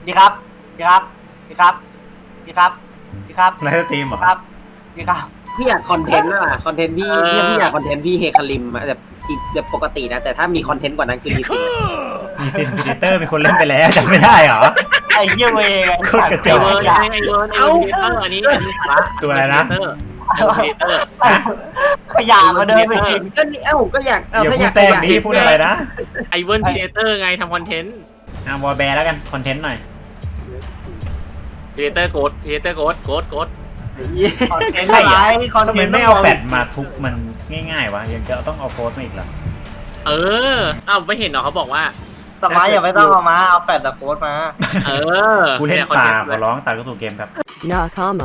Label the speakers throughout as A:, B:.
A: พี่ครับพี่ครับพี่ครับพี่ครับพี่ครับ
B: ไลฟ์สตรีมเหรอ
A: ครับพี่ครับ
C: พี่อยากคอนเทนต์อะคอนเทนต์พี่พี่อยากคอนเทนต์พี่เฮคาริมอะแบบปกตินะแต่ถ้ามีคอนเทนต์กว่านั้นคือรีสิ
B: มีซินพิเตอร์เป็นคนเล่นไปแล้วจำไม่ได้เหรอ
A: ไอ้เหี้ยเวง
B: โคตรกระจ
D: ไอ
B: อก
D: เวิร์นไอเวิร์นอันนี้สาระ
B: ตัวอะไรนะ
D: ไอเวิร์นเตอร์
A: ขยะมาเดินไปอีก
C: ก็นี่ก็อยาก
B: อย่า
C: ถ้า
B: พู
C: อ
B: ด
C: ยาก
B: แซงดิพูดอะไรนะ
D: ไอเวิร์นพีเดเตอร์ไงทำคอนเทนต์
B: วอลแบร์แล้วกันคอนเทนต์หน่อย
D: พีเดเตอร์โกดพีเดเตอร์โกด
A: คอนเทนต์อะไรคอน
B: ทำ
A: เท
B: ไม
A: นต์
B: ไม่เอาแฟดมาทุบมันง่ายๆวะยังจะต้องเอาโพสต์มาอีกเหรอ
D: ไม่เห็นเหรอเขาบอกว่า
A: สมัยอย่าไม่ต้องเอามาเอาแฟดโค้ดมา
B: กูเล่นป่าขอร้องตัดเข้าสู่เกมครับ
E: Nakama.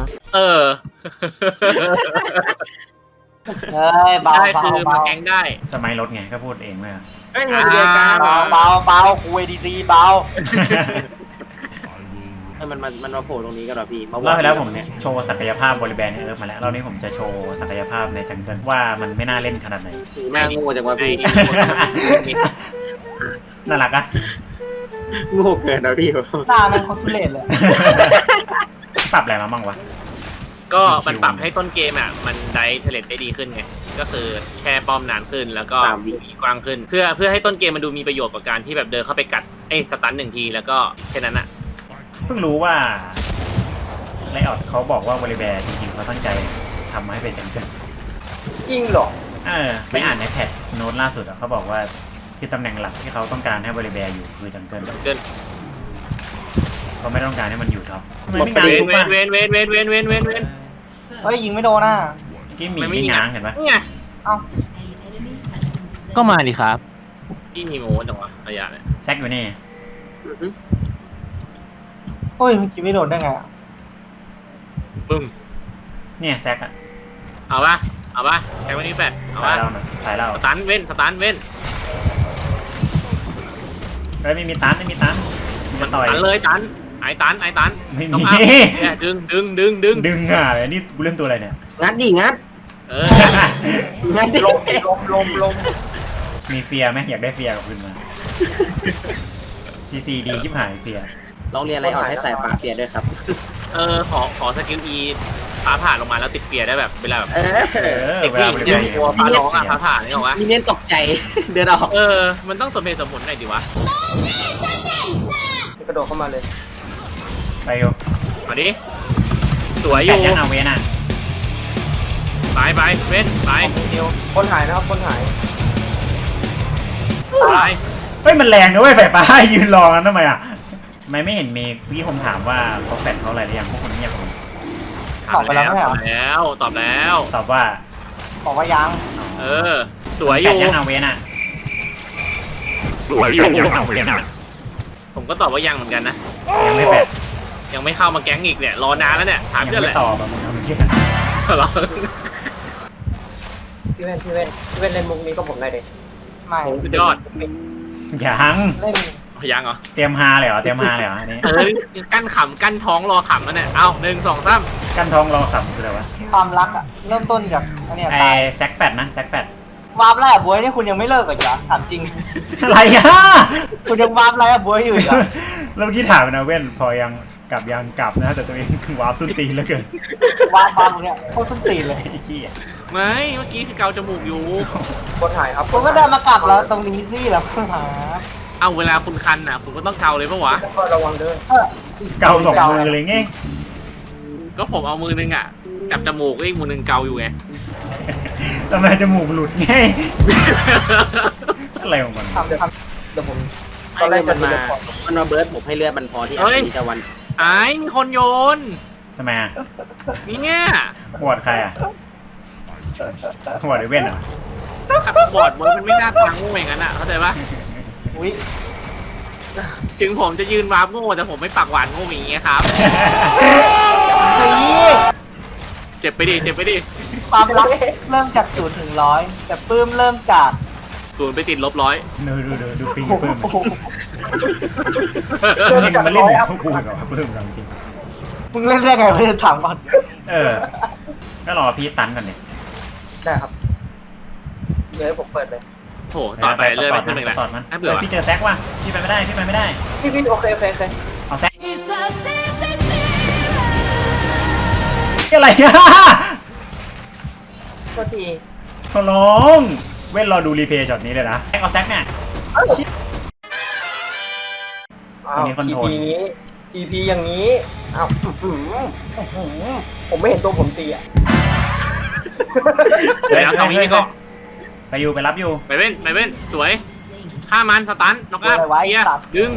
A: เฮ้ยเบา
D: ใช่
A: เบา
D: คือมา
A: เบา
D: แก๊งได้
B: สมัยรถไงก็พูดเองเลย
C: เฮ้ยมันเดียวกัน
A: เบาเบาคุยดีซีเบา
C: มันมาโผล่ตรงนี้กันเหรอพี่
B: รอบที่แล้วผมเนี่ยโชว์ศักยภาพบริแบรนด์ในเอิร์ฟมาแล้วรอบนี้ผมจะโชว์ศักยภาพในจังเกิลว่ามันไม่น่าเล่นขนาดไหน
C: หน้าโง่จังวะพี่
B: น่ารักอะ
C: โง่เกินนะพี่
A: หน้ามันคนทุเรศเลย
B: ปรับอะไรมาบ้างวะ
D: ก็มันปรับให้ต้นเกมมันได้เทเลตได้ดีขึ้นไงก็คือแค่ป้อมนานขึ้นแล้วก็มีกว้างขึ้น เพื่อให้ต้นเกมมันดูมีประโยชน์กว่าการที่แบบเดินเข้าไปกัดสตันหนึ่งทีแล้วก็แค่นั้นอะ
B: เพิ่งรู้ว่าไลออดเขาบอกว่าบริแบร์จริงๆเขาตั้งใจทำให้เป็นจังเกิล
A: จริงเหรอ
B: ไปอ่านในแพทโน้ตล่าสุดอะเขาบอกว่าที่ตำแหน่งหลักที่เขาต้องการให้บริแบร์อยู่คือจังเกิล
D: เกิน
B: เขาไม่ต้องการให้มันอยู่ท็อปทำไมไม่ง้างทุกบ้าง
D: เว้น
A: เฮ้ยยิงไม่โดนน่ะ
B: กี้หมีไม่ง้างเห็นปะ
D: นี่ไง
A: เอ้า
F: ก็มาดิครับ
D: ที่มีโง่จังวะระยะเนี่ย
B: แซกอยู่นี่
A: โอ้ยมันยิงไม่โดนได้ไง
D: ปึ้ม
B: เนี่ยแซกอะ
D: เอาปะแข่งวันนี้แปดเอา
B: สาย
D: ปะ
B: เราหน่อยสายเรา
D: สตันเว้น
B: เฮ้ยไม่มีตันไม่มีตันมันต่อย
D: ตันเลยตันไอ้ตัน
B: ไม่
D: ต้อง
B: มี
D: อัพเนี่ยดึง
B: ดึงอ่ะเลยนี่กูเล่นตัวอะไรเนี่ย
C: งัดดิงัด งัดดิ
A: ลม
B: มีเฟียไหมอยากได้เฟียกับคืนมาซีดีชิบหายเฟีย
C: ลองเรียนอะไรออกให้ใส่ฝาเสียด้วยครับ
D: ขอสกิลอีฟ้าผ่าลงมาแล้วติดเฟียร์ได้แบบเวลาแบบ
B: เว
D: เด็ก
B: ลา
D: ผู้
B: บ
D: หญิ
B: ริ
D: ง
B: แบ
D: เนี่ย
B: ร์
D: กลัวฟ้าร้องฟ้าผ่าเนี่ยหรอวะ
C: มีเน้นตกใจ เดินออก
D: มันต้องสมเหตุสมผลหน่อยดิวะ
A: กระโดดเข้ามาเลย
B: ไปอยู่
D: มาดิสวยอ
B: แปด
D: ยู่
B: ยังเอาเวน่ะ
D: ไปเว้นไป
A: เดียวคนหายนะครับคนหาย
D: ไป
B: เฮ้ยมันแรงนะเว้ยไฟฟ้ายืนรอกันทำไมอ่ะทำไมไม่เห็นมีพี่ผมถามว่าเขาแฟนเขาอะไรหรือยังพวกคนเงียบผม
A: ตอบไปแล้วไม่
D: ต
A: ใช่
D: อบ
A: เหรอ
D: แล้วตอบแล้ว
B: ตอบว่า
A: บอกว่ายัง
D: สวยอ
B: แปด
D: ยู่
B: ยังเอาเวน่ะ
D: ผมก็ตอบว่ายังเหมือนกันนะ
B: ยังไม่แปด
D: ยังไม่เข้ามาแก๊งอีกเนี่ยรอนานแล้วเนี่ยถาม
B: ยัง
D: เพื่อนแห
B: ไม่
D: ละ
B: ตอบแบบมึงเอาเมื่อกี้
D: เหรอ
A: พี่เว้นเล่นมุกนี้ก็ผมได้เลยไม่
D: สุดยอด
B: ยัง
A: เล่น
D: ยังเหรอ
B: เตรียมฮาเลยเหรอเตรียมฮาเลยเหรออันนี้
D: กั้นขำกั้นท้องรอขำแล้วเนี่ยเอา1 2 3
B: กั้นท้องรอขำคืออะไรวะ
A: ความรักอะเริ่มต้นจากอันเนี้ย
B: ไอ้
A: ตาย
B: แซกแปดนะแซกแปด
A: วาร์ปแล้วบวยนี่คุณยังไม่เลิกอีกเหรอถามจริง
B: อะไรอ่ะ
A: คุณยังวาร์ปแล้วบวยอยู่อีกเหรอ
B: แล้วเมื่อกี้ถามนะเว้นพอยังกลับนะแต่ตัวเองวาร์ปตุ้นตีนแล้วเกิน
A: วาร์ปบังเนี่ยโคตรส้นตีนเลย
B: ไอ้ชี้ย
D: ไม่เมื่อกี้คือเกาจมูกอยู่
A: คนหายครับคุณก็เดินมากลับแล้วตรงนี้สิแล้วคุณหา
D: เอาเวลาคุณคันคุณก็ต้องเกาเลยปะวะ
A: ระวังเด้อ
B: เกาสองมือเลยไง
D: ก็ผมเอามือนึงจับจมูกอีกมือนึงเกาอยู่ไง
B: ทำไมจมูกหลุดไงอะไรของมัน
A: ทำเดี๋ยวผม
C: ตอนแรกมันมาเบิร์ดผมให้เลือดมันพอที่อาทิตย์จะวัน
D: ไอ้มีคนโยน
B: ทำไมอ่ะ
D: นี่เนี่ย
B: หวดใครอ่ะหวดไอ้เว้นอ่ะ
D: ขับบอร์ดมันไม่น่าทางงูอย่างนั้นเข้าใจปะ
A: อุ้ย
D: ถึงผมจะยืนวาร์ปโง่แต่ผมไม่ปากหวานโง่อย่างเงี้ยครับ
A: เฮ้ย
D: เจ็บไปดิ
A: ความรักเริ่มจาก0 ถึง 100แต่ปื้มเริ่มจาก
D: 0ไปติด-100
B: ดูปิงปื้ม
A: เริ่ม
B: มึง
A: จาก
B: มาเล่น
A: 100
B: กับ
A: อัพ
B: พวกกูเหรอปื้มเราจริง
A: มึงเล่นได้ไงไม่ได้ถามก่อน
B: ก็รอพี่ตันก่อนเนี่ย
A: ได้ครับเดี๋ยวให้ผมเปิดเลย
D: โถต่อไปเลื่อนไปขึ้นหนึ่งแหละ
B: ต่อมัน
D: น่าเบื่อ
B: พี่เจอแซกว่ะพี่ไปไม่ได้
A: พี่โอเค
B: เอาแซก
E: It's
B: อะไรอ่ะ
A: ก็ที
B: ขอร้องเว้นรอดูรีเพย์ช็อตนี้เลยนะแซกเอาแซกเนี่ย
E: อ้า
B: ตรง
E: ว
B: นี้คอน
E: ที
B: โทรล
E: พีนี้ทีพีอย่างนี้อ้าวผมไม่เห็นตัวผมตีอ่ะ
D: เดี๋ยวเอางี้ดีกว่า
B: ไปอยู่ไปรับอยู่
D: ไปเว้นสวยฆ่ามันสตันน็อกอัพเกียร์ดึง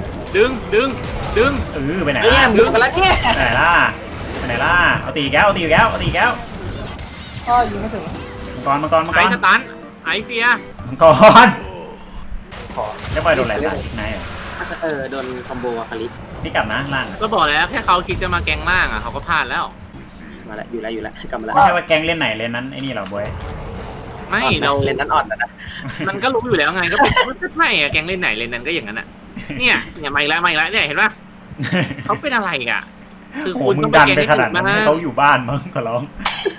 B: ไปไหน
C: เนี่ย
B: ล่ะ
C: มึงกันแล้วเนี่ย
B: ไปไหนล่ะไปไหนล่ะเอาตีแก้วเอาตีแก้วเอาตีแก้ว
A: ก็ยิงไม่ถึง
B: มังกร
D: ไอสตันไอเฟีย
B: มังกรจะปล่อยโดนอะไรล่ะนาย
C: โดนคอมโบอะคาริส
B: พี่กลับนะล่าง
D: ก็บอกแล้วแค่เขาคิดจะมาแกงล่างอ่ะเขาก็พลาดแล้ว
C: มาแล้วอยู่แล้วกลับมาแล้ว
B: ไม่ใช่ว่าแกงเล่นไหนเล่นนั้นไอ้นี่เหรอบวย
D: ไม่เรา
C: เล่นนั้นอ่อนนะ
D: มันก็รู้อยู่แล้วไงก็เป็นไม่อะแกงเล่นไหนเล่นนั้นก็อย่างนั้นอ่ะเนี่ยไม่ละเนี่ยเห็นปะเขาเป็นอะไรอ่ะคือ
B: โอ้
D: คุณ
B: มึ
D: ต้อง ง
B: ดัน
D: ไป
B: ไป
D: แกง
B: ข
D: ให้
B: นา
D: ถู
B: ด
D: ก
B: นั้น
D: มา
B: ให้เขาอยู่บ้านมั้งขอร้อง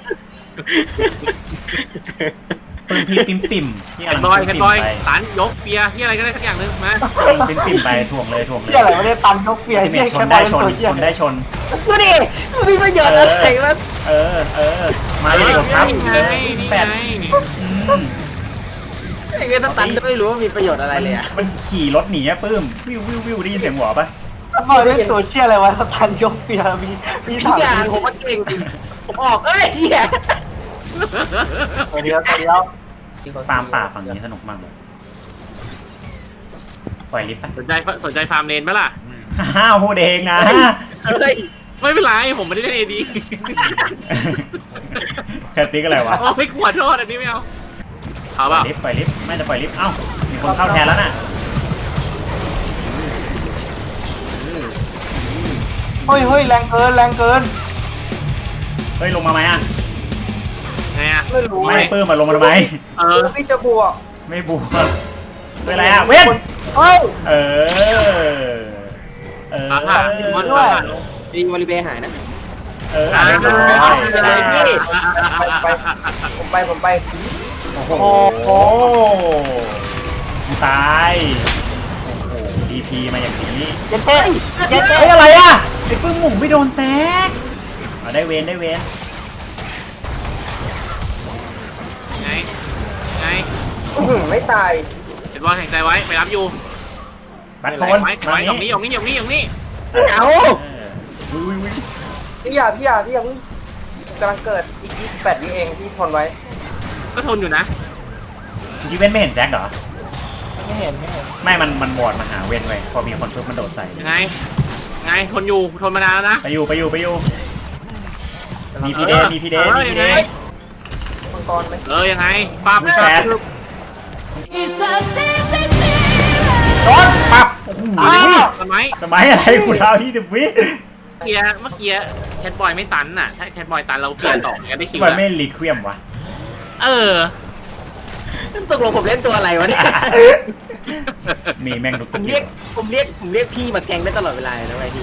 B: ปืนพีปิ่มที่
D: แค
B: กำ
D: ท
B: ลัง
D: บอย
B: ปิ่ม
D: ตั
B: ไป
D: นยกเฟียที่อะไรก็ได้สักอย่างนึงมา
B: ปิ่มไปถ่วงเลย
A: ที่อะไรไม่ได้ตันยกเฟีย
B: ที่
A: ที่
B: ช
A: แค่
B: น
A: บอ
B: ได้
A: ล
B: ชน
A: ตัวเชี่ย
B: ชนได้ชน
C: ดูดิมันมีประโยชน์อะไรมั้ง
B: มาเลยกดทับ
D: นี่ไงนี่
B: แปด
D: ไง
C: ไอ้เงี้ยตันไม่รู้ว่ามีประโยชน์อะไรเลยอ่ะ
B: มันขี่รถหนีอะปื้มวิวได้ยินเสียงหัวปะ
A: บอลเป็นตัวเชี่ยอะไรวะสตันยกเฟียมี
C: ทุ
A: ถั
C: ก
A: ง
C: อย่างผมว่าเก่งผมออกเหี้ย
A: เดียว
B: ฟาร์มป่าฝั่งนี้สนุกมากเลยปล่อยลิฟต์ปะ
D: สนใจฟาร์มเลนไหมล่ะ
B: อ้าวพูดเองนะ
C: เฮ้ย
D: ไม่เป็นไรผมไม่ได้เล่นเอดี
B: แคตติ๊กอะไรวะ
D: โอ้ยขวดโทษอันนี้ไม่เอาเอา
B: ป
D: เป
B: ล่อ
D: ล่าย
B: ลิฟต์ไม่จะปล่อยลิฟต์เอ้ามีคนเข้าแทนแล้วน่ะ
A: เฮ้ยแรงเกิน
B: เฮ้ยลงมาไหมอ่ะ
D: ไงอ่ะ
E: ไม่รู้
B: ไม่ปื้มมาลงมาทำไม
E: พี่จะบวก
B: ไม่บวกเป็นไรอ่ะเว้น
A: เฮ้ย
B: เออ
D: อาหารมัน
A: ด้วย
C: ดีวอลเลย์บอลหายนะ
B: เออ
E: ผมไป
B: โอ้โหตายโอ้โหดีพีมาอย่างนี้
A: เจ๊เจ๊
B: เฮ้ยอะไรอ่ะไอ้ปื้มหมุ่งไม่โดนแซกได้เวน
D: ไง
E: ไม่ตาย
D: เห็นบอลแข่งใจไว้ไปรับอยู่
B: บัตรโท
D: ไว้
B: น
D: ไว้ตรงนี้
C: เอา
E: พี่อย่าเพิ่งกำลังเกิดอีก28 วิเองพี่ทนไว้
D: ก็ทนอยู่นะ
B: ยีเว้นไม่เห็นแซกเหรอ
A: ไม่เห็น
B: ไม่มันบอดมาหาเว้นไว้พอมีคนปุ๊บมันโดดใส่
D: ยังไงทนอยู่ทนมานานแล้วนะ
B: ไปอยู่มีพีเดย์
E: มังกรไหม
D: ยังไงป้าบ
B: แซก
G: It's the stage
B: โดนปับ
D: ทำไม
B: สมัยอะไรกูเท้า20 วิ
D: เมื่อกี้แคทบอยไม่ตันน่ะถ้าแคทบอยตันเราเปลี่ยนต่อกันได้คิว
B: มันไม่รีเควียมวะ
C: ตกลงผมเล่นตัวอะไรวะเนี่ย
B: มีแม่งทุก
C: ผม
B: ที
C: เรียกพี่มาแกงได้ตลอดเวลาเลยนะไอ้พี่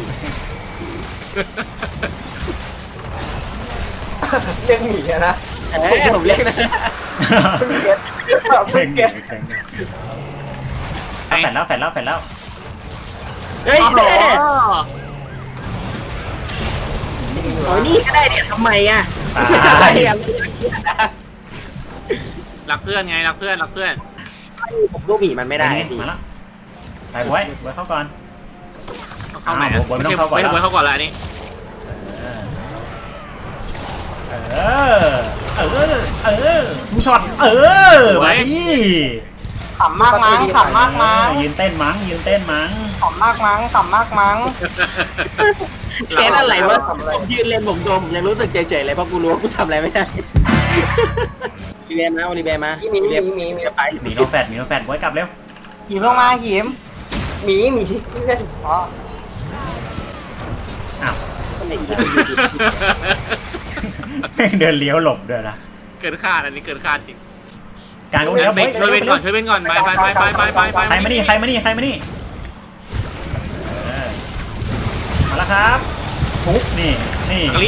E: เรียกหมีอะนะ
C: ผมเรียกนะ
E: เพิ่งเก็ต
B: เพ่ง
E: เก็ต
B: แฟดแล้ว
C: เฮ้ยโอ้ยนี่ก็ได้เนี่ยทำไมอ่ะ
B: ตาย
D: รักเพื่อนไงรักเพื่อน
C: ผมลูกหมีมันไม่ได้พี่
B: มาแล้วไปบวยเข้าก่อน
D: เข้าไหนไม่ใช่เข้าก่อนแล้วนี่
B: ผู้ช็อตมาดิ
A: ขำมากมั้ง
B: ยืนเต้นมั้ง
A: ขำมากมั้ง
C: แค่อะไรวะผมยืนเล่นผมโดมผมยังรู้สึกเฉยๆเลยเพราะกูรู้ว่ากูทำอะไรไม่ได้รีเบมารีเบมา
E: มี
C: ไป
B: หนีโนแฟดบวยกลับเร็ว
A: หิมลงมาหิม
E: หมีเล่น
A: อ๋อ
B: อ้าวแม่งเดินเลี้ยวหลบเดินนะ
D: เกินคาดอันนี้เกินคาดจริง
B: การก็เลี้ยว
D: ช่วยเว้นก่อนไป
B: ใครมานี่มาแล้วครับทุบนี่
A: กด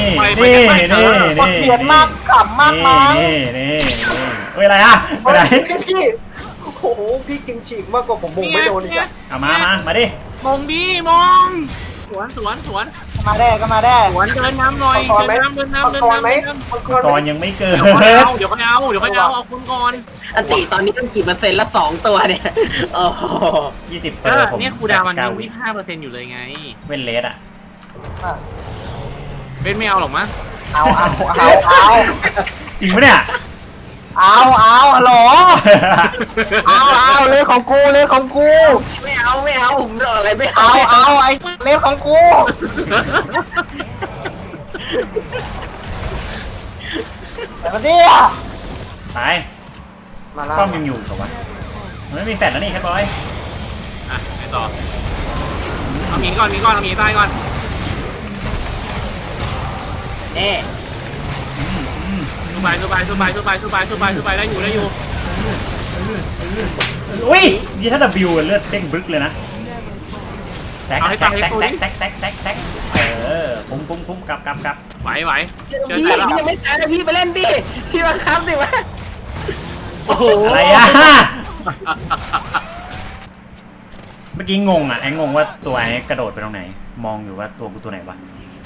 A: เสียนมากขำมากมั้ง
B: เฮ้ยอะไรอ่ะไปไหน
E: พี่โอ้โหพี่กินฉีกมากกว่าผมมงไม่โดนอีกอะ
B: เอามาดิ
D: มองดีมองสวนสวนสวน
A: ก็มาได้ก็มาได้
D: สวนเดินน้ำหน่อย
E: มังกร
D: เดิน
E: ไหม
D: น้ำเดินน้ำ
E: มัง
D: เดิน
E: กร
D: น้ำ
E: ไหม
D: เดินน้ำ
E: มังกร
B: ก่อน
E: ไหม
B: ยังไม่เกิด
D: เดี๋ยวค่อยเอาเอาคุณก่อน
C: อันติตอนนี้ต้องกี่เปอร์เซ็นต์ละ2ตัวเนี่ยโอ้โห
B: 20เปอ
D: ก็
B: ร์ผม
D: เนี่ยครูดาวมัน
B: เก้า
D: ยัง25%อยู่เลยไง
B: เว้นเลสอ่ะ
D: เป็นไม่เอาหรอกมั้ง
A: เอา
B: จริงปะเนี่ย
A: ฮัลโหลเอาเลยของกูเลยของกู
C: ไม่เอาผมรออะไรไม่
A: เอา
C: เอา
A: ไอ้เลยของกูแต่มันเนี่ย
B: ตาย
A: มาแล้ว
B: ป้อมยังอยู่เหรอวะมันไม่มีแฟลชแล้วนี่แค่บอย
D: อ่ะไปต่อเอาหมีก่อนเอาหมีใต้ก่อน
C: เอ๊ะ
D: สู้ไปได้อยู่
B: อุ้ยยี่ถ้า W เลือดเด้งบึกเลยนะแซกคุ้มกลับ
D: ไหวเชื่อ
C: พี่
D: ใจแล้ว
C: ยังไม่ตายนะพี่ไปเล่นดิพี่มาค้ำดิวะ
D: โอ้โห
B: อะไรอ่ะเมื่อกี้งงอ่ะไอ้งงว่าตัวไอ้กระโดดไปตรงไหนมองอยู่ว่าตัวกูตัวไหนวะ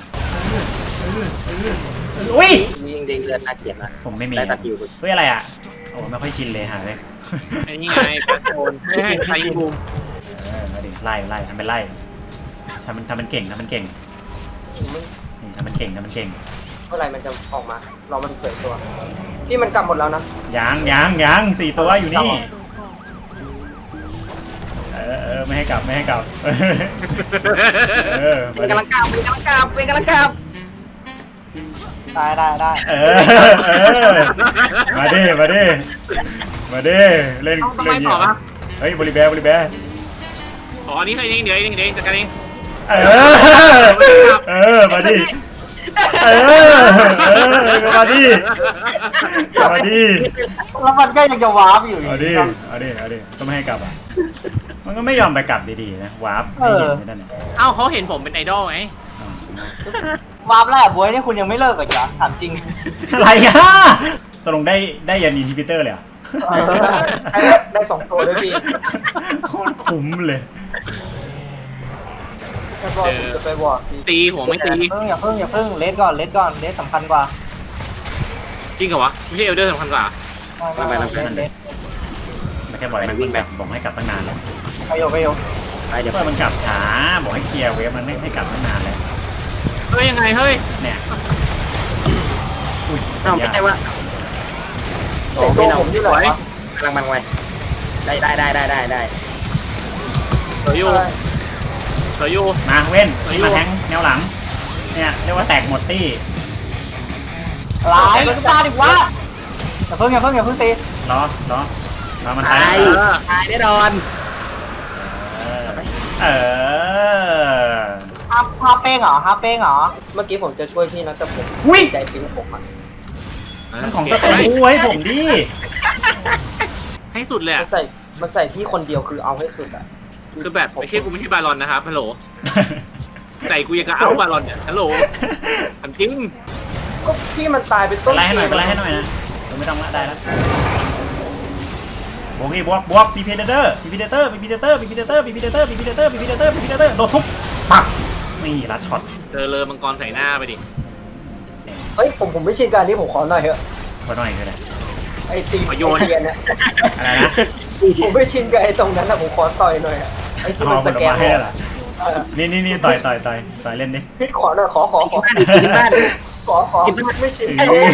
B: อุ้ย
C: มียิงเด้งเลือดน่าเกลียดนะ
B: ผมไม่มี
C: ได้ตัดอยู่
B: เฮ้ยอะไรอ่ะโอ้ไม่ค่อยชินเลยหาเลย
D: ไอ้นี่ไงแพทโซนไม่ให้ใครบูม
B: มาดิไล่ทำเป็นไล่ทำมันเก่งนี่ทำมันเก่ง
E: เมื่อไหร่มันจะออกมา รอมันเปิดตัว ที่มันกลับหมดแล้วนะ
B: ยัง4 ตัวอยู่นี่ไม่ให้กลับมา
C: เป็นกำลังกราบ
A: ได้
B: มาดิเล่น
D: ต้องไปต่อปะ
B: เฮ้ยบริแบร์
D: อ๋อนี่ใครเองเดี๋ยวจัดการเอง
B: มาดิมาดิ
A: แล้วมันก็ยังจะวาร์ปอยู่
B: เอาดิก็ไม่ให้กลับอ่ะมันก็ไม่ยอมไปกลับดีๆนะวาร์ปให้เห็นไม่ได้
D: เอ้าเขาเห็นผมเป็นไอดอลไง
A: วาร์ปแล้วบวยนี่คุณยังไม่เลิกอีกเหรอถามจริง
B: อะไรอ่ะตกลงได้ยันอินฮิบิเตอร์เลยอ่ะ
E: ได้2ตัวด้วยพี่
B: โคตรคุ้มเลย
E: แล้วก็ผมจะไปบอกพี่
D: ตีหัวไม่ตี
A: อย่าเพิ่งเลสก่อนเลสสำคัญกว่า
D: จริงเหรอวะไม่ใช่เอลเดอร์สำคัญกว่า
A: เลส
B: ไม่แค่บอกให้มันวิ่งแบบบอกให้กลับตั้งนานแล้ว
A: ไปโย
C: ไปเดี๋ยว
B: เพื่อมันกลับช้าบอกให้เคลียร์เวฟมันไม่ให้กลับตั้งนานแล้ว
D: เฮ้ยยังไงเฮ้ย
B: เนี่ยอุ้ย
C: เอ้าไม่ใช่ว่า
E: เสียงตัวผมที่ไหนวะ
C: กำลังมันไว้ได้
D: เสืออยู่
B: มาเว้นมาแทงแนวหลังเนี่ยเรียกว่าแตกหมดตี้
A: หลายมันตาดิวะอย่าเพิ่งตี
B: ล้อมัน
C: ตาย
B: ตาย
C: ตายแน่นอน
B: เออ
A: ฮาเป้งเหรอ
E: เมื่อกี้ผมจะช่วยพี่นะแต่ผม
B: อุ้ย
E: ใจจริงผมอ่ะ
B: มันของตะกูให้ผมดิ
D: ให้สุดเลย
E: มันใส่พี่คนเดียวคือเอาให้สุดอ่ะ
D: คือแบบไม่ใช่กูไม่ใช่บาลอนนะครับฮัลโหลใจกูยังกะเอาบาลอนเนี่ยฮัลโหลถามจริง
E: ก็พี่มันตายเป็นต้น
B: ไล่ให้หน่อย
E: เกม
B: ไล่ให้หน่อยนะไม่ต้องละได้แล้วบวกพีพีเดเตอร์โดนทุบปักนี่ลัดช็อต
D: เจอเลยมังกรใส่หน้าไปดิ
E: เฮ้ยผมไม่ชินการนี้ผมขอหน่อยเถอะ
B: ขอหน่อยก็ได้
E: ไอ้ตีเทียนเนี่ย
B: อะไรนะ
E: ผมไม่ชินกับไอ้ตรงนั้นนะผมขอต่อยหน่อยอะไอ้ที่มันสแกน
B: ให้เหรอนี่ต่อยเล่นดิ
E: พี่ขอหน่อยขอ
C: กินบ้าน
E: ขอไม่ชิน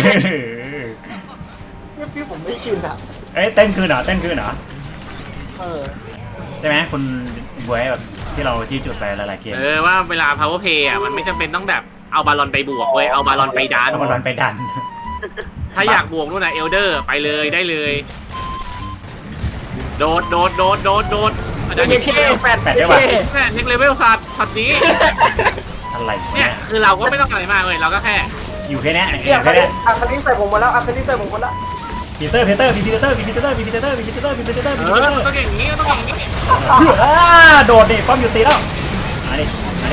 E: พี่ผมไม่ชินอ่ะ
B: เอ้ยเต้นคืนเหรอ
E: เออ
B: ใช่ไหมคุณบวยแบบที่เราจี้จุดไปหลายๆเกม
D: ว่าเวลา power play อ่ะมันไม่จำเป็นต้องแบบเอาบาลอนไปบวกเว้ยเอาบาลอนไปดัน
B: เอาบอลไปดัน
D: ถ้าอยากบวกนู่นน่ะเอลเดอร์ไปเลยได้เลย โดดอาจารย์
C: เย้แฟน
B: แปดได้ป่ะ
D: แม่เน็กเลเวลสัตว์นี้
B: อะไร
D: เนี่
B: เนี่ย ย
D: คือเราก็ไม่ต้องอะไรมากเลยเราก็แค่
B: อยู่แค่เนี้ย
E: พี่อาคาริใส่ผมมาแล้ว
B: พีเตอร์ก็อย่างนี้
D: ต้องอย่างนี้
B: โดดดิป้อมอยู่ตีแล้วมาดิ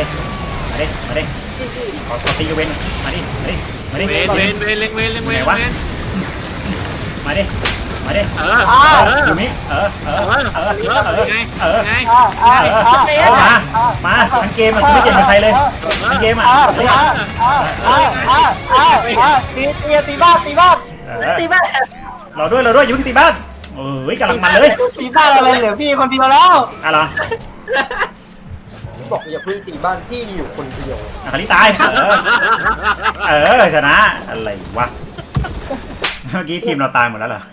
B: ขอตีเวนมาดิ
D: เวนเล็งเวน
B: มาดิมาดิ
D: เออ
B: อยู่นี่
D: ไง
B: มาทั้งเกมอ่ะกูไม่เก่งกับใครเลยทั้งเกมอ่ะ
A: ตีบ้านตีบ้าน
C: ตีบ้าน
B: รอด้วยยุ่งตีบ้านเอ้ยกำลังมันเลย
A: ตีบ้านอะไรเหลือพี่คนเดียวแล้ว
B: อะไร
E: บอกอย่าเพิ่งตีบ้านพี่อยู่คนเดียว
B: คาริตายชนะอะไรวะเมื่อกี้ทีมเราตายหมดแล้วเหรอ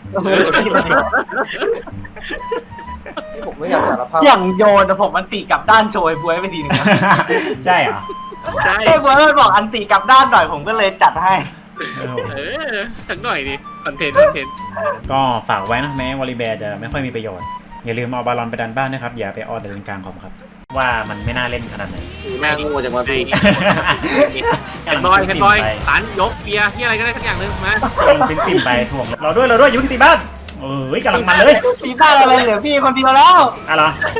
E: ที่ผมไม่อยากสารภาพ
A: อย่างโยนผมอันติกลับด้านโชยบวยไปทีนึง
B: ใช่เหรอ
D: ใช่
A: ไอ้บวยมันบอกอันติกลับด้านหน่อยผมก็เลยจัดให้
D: สักหน่อยดิคอนเทนต์
B: ก็ฝากไว้นะแม้วอลลีแบร์จะไม่ค่อยมีประโยชน์อย่าลืมเอาบอลลอนไปดันบ้านนะครับอย่าไปออดเลนกลางคอมครับว่ามันไม่น่าเล่นขนาดไหน
C: แม่งงูจังวะพี่
D: แคนบอยตันยกเฟียร์ที่อะไรก็ได้สักอย่างนึงมา
B: เป็นปิ่มไปถ่วงรอด้วยยุ่งตีบ้านเอ้ยกำลังมันเลย
A: ตีบ้านอะไรเหลือพี่คนเดียวแล้ว
B: อะไร